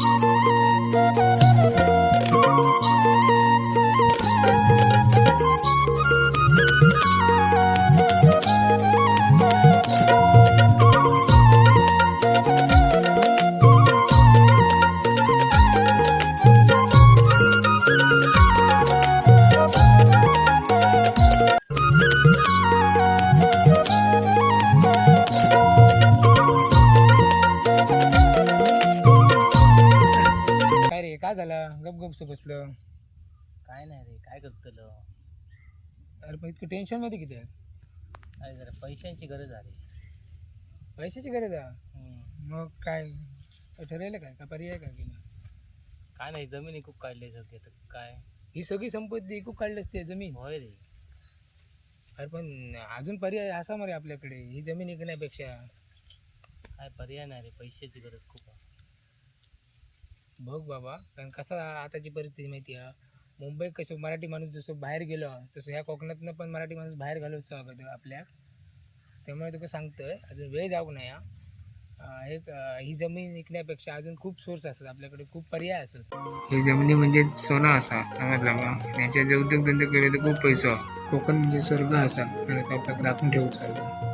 काय रे, काय झालं गप गपच बसलं? काय नाही रे, काय करतलो? अरे पण इतकं टेन्शन मध्ये किती आहे? काय जरा पैशांची गरज आहे. पैशाची गरज आहे? हम्म. मग काय ठरवलं काय का पर्याय काय केला? काय नाही, जमीन खूप काढली जाते तर काय. ही सगळी संपत्ती खूप काढली असते जमीन. होय रे. अरे पण अजून पर्याय असा मरे आपल्याकडे, ही जमीन विकण्यापेक्षा. काय पर्याय नाही रे, पैशाची गरज खूप आहे. बघ बाबा, कारण कसं आताची परिस्थिती माहिती आहे, मुंबईत कसं मराठी माणूस जसं बाहेर गेलो तसं ह्या कोकणातनं पण मराठी माणूस बाहेर घालवतो अगोदर आपल्या. त्यामुळे तुका सांगतोय अजून वेळ जाऊ नये हा. ही जमीन विकण्यापेक्षा अजून खूप सोर्स असतात आपल्याकडे, खूप पर्याय असतात. ही जमिनी म्हणजे सोनं असा समजला बा, त्यांच्या जे उद्योगधंदे केले तर खूप पैसा. कोकण म्हणजे स्वर्ग असा आणि तो आपल्याकडे राखून ठेवूचा.